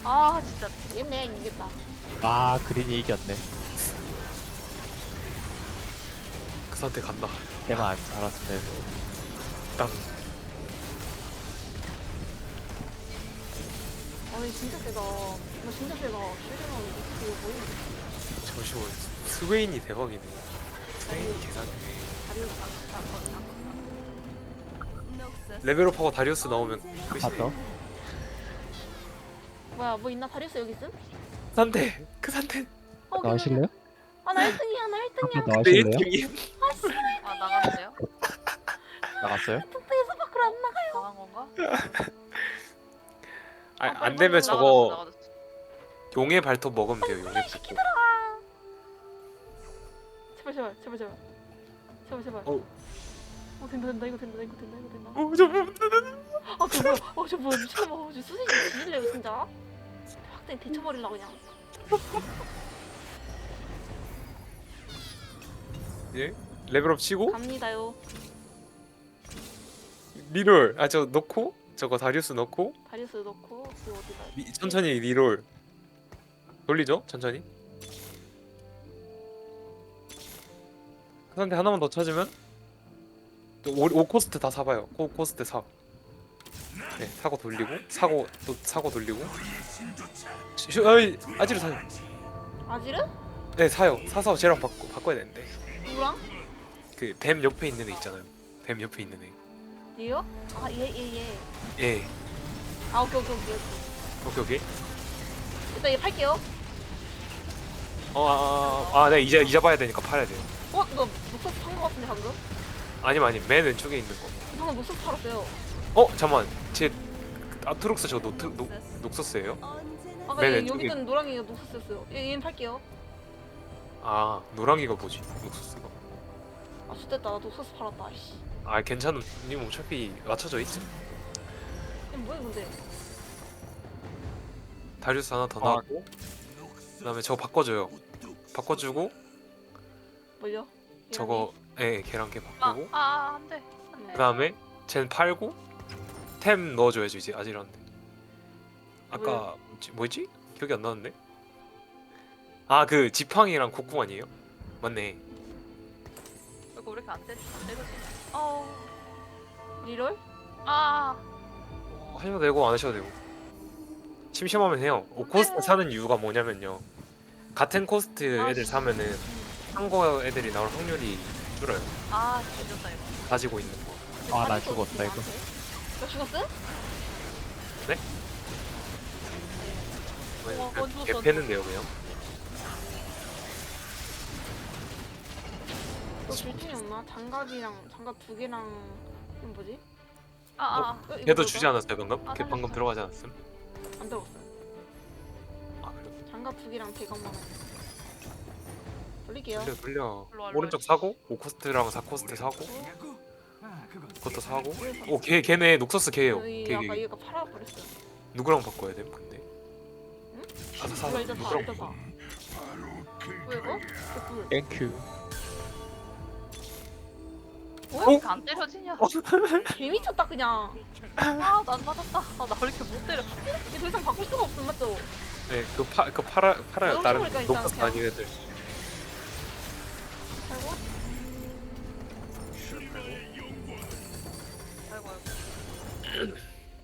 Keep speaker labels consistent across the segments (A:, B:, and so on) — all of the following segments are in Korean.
A: 아 진짜
B: 얘네 이겼다.
C: 아 그린이 이겼네.
D: 그 상태 간다.
C: 때만 안 알았으면
D: 땅.
B: 아니 진짜 세다. 나 진짜 세다. 실제로 이거 뭐야?
D: 잠시만. 스웨인이 대박이네. 스웨인이 계산이네.
B: 다리우스 안
D: 레벨업하고 다리우스 나오면
C: 봤어?
D: 끝이네.
B: 뭐야 뭐 있나? 다리우스 여기 있음?
D: 그 상태. 그 상태.
C: 나가실래요?
B: 아나 1등이야 나 1등이야.
C: 한번
D: 내
C: 나가실래요?
D: 1등이.
A: 아 나갔는데요?
C: 나갔어요?
B: 뚝뚝에서 밖으로 안 나가요.
A: 나간 건가?
D: 안 되면
A: 나가졌어,
D: 저거
A: 나가졌어.
D: 용의 발톱 먹으면 돼요. 용의 발톱.
B: 제발 제발 제발 제발 제발 제발.
D: 어.
B: 된다 된다 이거 된다 이거 된다 이거 된다.
D: 저
B: 아 뭐야? 저 뭐야 미친놈아. 저 수진이 죽일래요 진짜? 확대 데쳐버리려고 그냥.
D: 예? 레벨업 치고
B: 갑니다요.
D: 리롤. 아 저 넣고 저거 다리우스 넣고
B: 다리우스 넣고 그 어디다?
D: 천천히 리롤 돌리죠. 천천히. 그 상태 하나만 더 찾으면 또 5코스트 다 사봐요. 코스트 사. 네, 사고 돌리고 사고 또 사고 돌리고. 어이 아지르 사요.
B: 아지르?
D: 네 사요. 사서 쟤랑 바꿔야 되는데
B: 누구랑?
D: 그 뱀 옆에 있는 애 있잖아요. 뱀 옆에 있는 애.
B: 얘요? 아 얘 얘 얘.
D: 예.
B: 아 오케이 오케이 오케이.
D: 오케이 오케이.
B: 일단 얘 팔게요.
D: 네 이제 봐야 되니까 팔아야 돼요.
B: 어? 너 녹색 판거 같은데 방금?
D: 아니면 맨 왼쪽에 있는 거.
B: 방금 녹색 팔았어요.
D: 잠만. 제 아트록스 저 녹서스예요?
B: 아까
D: 맨
B: 얘
D: 왼쪽에.
B: 여기 있던 노랑이가 녹색이었어요. 얘는 팔게요.
D: 아 노랑이가 뭐지? 녹서스가.
B: 아 좋됐다. 나 녹색 팔았다. 씨.
D: 아 괜찮은. 님 어차피 맞춰져 있지.
B: 얘 뭐야 근데?
D: 다리우스 하나 더 나왔고 그다음에 저거 바꿔줘요. 바꿔주고
B: 뭘요?
D: 저거 걔랑 걔 바꾸고
A: 안돼.
D: 그다음에 쟨 팔고 템 넣어줘야지 이제 아지란데. 아까 뭐였지? 기억이 안 나는데. 아 그 지팡이랑 곡궁 아니에요? 맞네.
A: 이거 왜 이렇게 안 때리지? 어우.
B: 리롤?
A: 아.
D: 하셔도 되고 안 하셔도 되고 심심하면 해요. 코스트 사는 이유가 뭐냐면요, 같은 코스트 애들 사면은 한거 애들이 나올 확률이 줄어요.
A: 아 뒤졌다 이거.
D: 가지고 있는 거.
C: 아, 나 죽었다, 이거.
B: 너 죽었어?
D: 네?
A: 죽었어.
D: 패는데요 그냥.
B: 너 줄중이 없나? 장갑이랑 장갑 두 개랑 이건 뭐지?
A: 아.
B: 이거
D: 걔도
B: 뭐죠?
D: 주지 않았어요 방금?
A: 아,
D: 걔 방금
A: 살렸어.
D: 들어가지 않았음?
B: 안 들어갔어요.
D: 아 그래.
B: 장갑 두 개랑 대검만 돌릴게요.
D: 돌려.
A: 일로 와,
D: 오른쪽 사고 5코스트랑 4코스트 사고 그것도 사고. 걔네 녹서스 걔예요. 걔
B: 아까 얘가 팔아버렸어요.
D: 누구랑 바꿔야 돼 근데?
B: 응?
D: 사.
B: 이거 일단 사
D: 누구랑
B: 일단 사. 왜 이거? 이거
C: 땡큐.
A: 왜 이렇게 안 때려지냐?
B: 개미쳤다 그냥.
A: 아난 맞았다. 아나 왜 이렇게 못 때려?
B: 이게 더 이상 바꿀 수가 없음 맞죠?
D: 네, 그거 팔아요.
B: 너무
D: 다른
B: 좋으니까 일단
D: 녹서스
B: 그냥.
D: 아닌 애들.
B: 팔고
A: 아이고 아이고.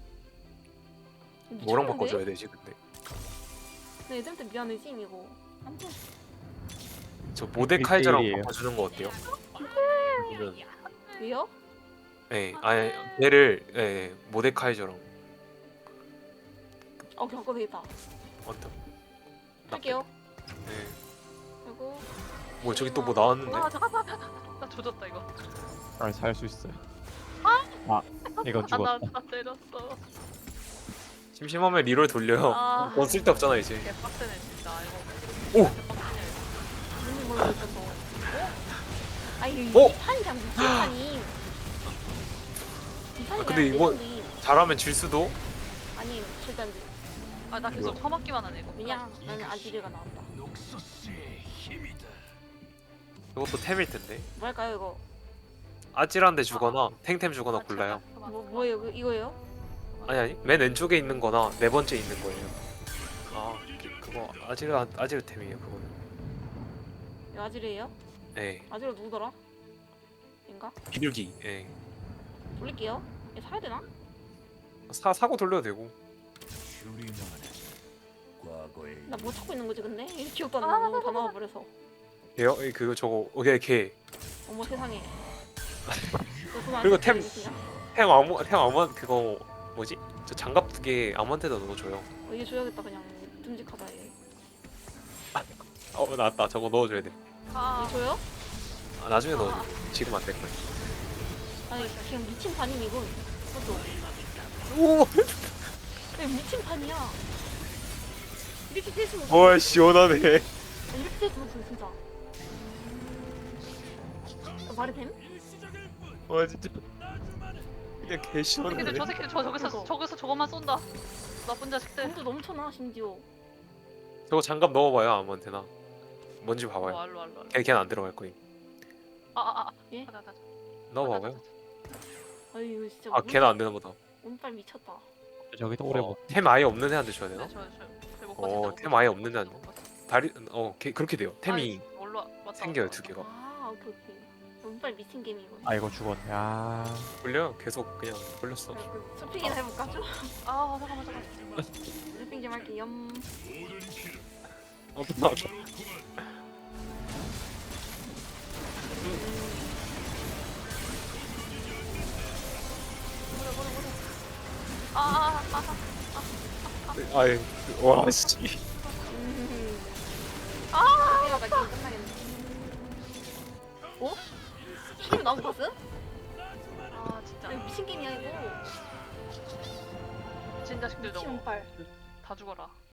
D: 뭐랑
B: 미쳤는데?
D: 바꿔줘야 되지 근데?
B: 나 애들한테 미안해지 이거. 안돼.
D: 저 모데카이저랑
C: 일대일이에요.
D: 바꿔주는 거 어때요? 그러면
B: 왜요?
D: 아니 얘를 모데카이저랑
B: 그냥 바꿔도 되겠다.
D: 어떤?
B: 할게요.
D: 네.
B: 그리고
D: 뭐 저기 또 뭐 나왔는데?
A: 아 잠깐만. 나 조졌다 이거.
C: 아, 살 수 있어요. 아, 이건 죽었다.
A: 나 때렸어.
D: 심심하면 리롤 돌려요.
A: 아.
D: 넌 쓸데없잖아 이제.
A: 개빡세네 진짜 이거.
D: 오!
A: 개빡세네.
B: 무슨 걸로 있어서. 아이
D: 어?
B: 판이 그냥 무슨 판이. 이 판이
D: 근데
B: 그냥
D: 이거-
B: 내던데.
D: 잘하면 질 수도.
B: 아니 절대 안 돼.
A: 아나 계속 처맞기만 하네 이거.
B: 왜냐? 나는 아지르가 나온다.
D: 이것도 템일 텐데.
B: 뭐 할까요 이거?
D: 아찔한데 주거나 탱템 주거나 골라요.
B: 뭐예요? 이거예요?
D: 아니 맨 왼쪽에 있는 거나 네 번째 있는 거예요. 아 그거 아지르템이에요 그거는.
B: 이거 아지르예요?
D: 네.
B: 아지르 누구더라? 인가?
D: 비둘기. 예.
B: 돌릴게요. 얘 사야 되나?
D: 사고 돌려도 되고.
B: 나 뭐 찾고 있는 거지 근데? 이 기억도 안 나고 다 나와버려서.
D: 걔요? 그거 저거 걔.
B: 어머 세상에. 너 그거 안
D: 그리고
B: 찾게
D: 템-
B: 되겠냐?
D: 템 아무 그거 뭐지? 저 장갑 2개 아무한테나 넣어줘요.
B: 얘 줘야겠다 그냥. 듬직하다 얘.
D: 나왔다. 저거 넣어줘야 돼.
A: 아,
B: 얘 줘요?
D: 아, 나중에 넣어줘. 지금 안 될 거야.
B: 아니 그냥 미친 판임 이건. 그것도.
D: 오,
B: 왜 미친 판이야? 이렇게 뗄수 없어.
D: 와 시원하네.
B: 이렇게 뗄수 없어 진짜. 말이 됨?
D: 와 진짜. 그냥 개
A: 새끼들
D: 시원하네.
A: 저 새끼들 저기서 저것만 쏜다. 나쁜 자식들.
B: 돈도 넘쳐나 심지어.
D: 저거 장갑 넣어봐요 아무한테나. 뭔지 봐봐요.
A: 알로.
D: 걔는 안 들어갈 거임.
B: 예?
A: 가자.
D: 넣어봐봐요.
B: 아유 진짜.
D: 아 걔는 안 되나 보다.
B: 운빨 미쳤다.
C: 저기도 오래 못.
D: 템 아예 없는 애한테 줘야 되나?
A: 네, 저
D: 템 아예 없는 애한테. 다리 그렇게 돼요. 템이
A: 왔다.
D: 생겨요 2개가.
B: 아 오케이. 운빨 미친 게임 이거.
C: 아이고 죽었네. 아.
D: 걸려? 계속 그냥 걸렸어.
B: 쇼핑이나 해볼까 좀?
A: 아 잠깐만.
B: 쇼핑 좀 할게 염.
D: 나
A: 아.
D: 아예 와 씨.
B: 쇼핑하다 게임 끝나겠네. 어? 쇼핑 나온 거 봤어?
A: 아 진짜.
B: 아니 미친 게임이야 이거.
A: 미친 자식들
B: 미친
A: 저거
B: 운빨.
A: 다 죽어라.